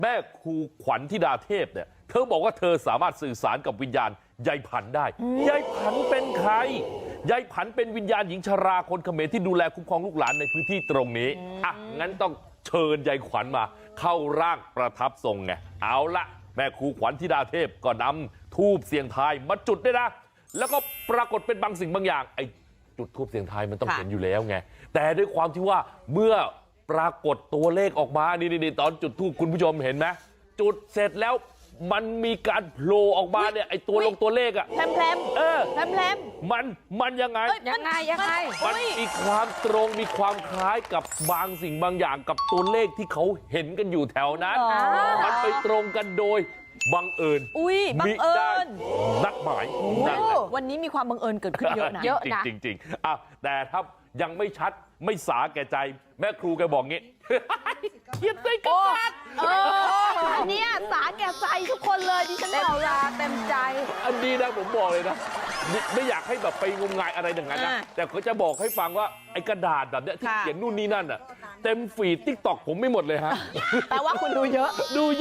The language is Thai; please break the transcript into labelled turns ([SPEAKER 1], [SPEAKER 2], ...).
[SPEAKER 1] แม่ครูขวัญธิดาเทพเนี่ยเธอบอกว่าเธอสามารถสื่อสารกับวิญญาณยายผันได้ยายผันเป็นใครยายผันเป็นวิญญาณหญิงชราคนเขมรที่ดูแลคุ้มครองลูกหลานในพื้นที่ตรงนี้อ่ะงั้นต้องเชิญยายขวัญมาเข้าร่างประทับทรงไงเอาละแม่ครูขวัญธิดาเทพก็นำธูปเสียงทายมาจุดด้วยนะแล้วก็ปรากฏเป็นบางสิ่งบางอย่างไอ้จุดธูปเสียงทายมันต้องเห็นอยู่แล้วไงแต่ด้วยความที่ว่าเมื่อปรากฏตัวเลขออกมานี่ตอนจุดธูปคุณผู้ชมเห็นไหมจุดเสร็จแล้วมันมีการโผล่ออกมาเนี่ยไอ้ตัวเลขอะ
[SPEAKER 2] แพรมแพรม
[SPEAKER 1] มันยังไง
[SPEAKER 2] ยังไง
[SPEAKER 1] มันมีความตรงมีความคล้ายกับบางสิ่งบางอย่างกับตัวเลขที่เขาเห็นกันอยู่แถวนั้นมันไปตรงกันโดยบังเอิญ
[SPEAKER 2] บังเอิญ
[SPEAKER 1] นัดหมาย
[SPEAKER 2] วันนี้มีความบังเอิญเกิดขึ้นเยอะนะ
[SPEAKER 1] จริงแต่ถ้ายังไม่ชัดไม่สาแก่ใจแม่ครูแกบอกงี้เขียนใส่กระดาษ
[SPEAKER 2] เนี่ยสาแก่ใจทุกคนเลยดิฉันบอกละเต็มใจ
[SPEAKER 1] อันนี้นะผมบอกเลยนะไม่อยากให้แบบไปงมงายอะไรอย่างนั้นนะแต่เขาจะบอกให้ฟังว่าไอ้กระดาษแบบเนี้ยที่เขียนนู่นนี่นั่นอ่ะเต็มฟีดTikTokผมไม่หมดเลยฮะ
[SPEAKER 2] แปลว่าคุณดูเยอะ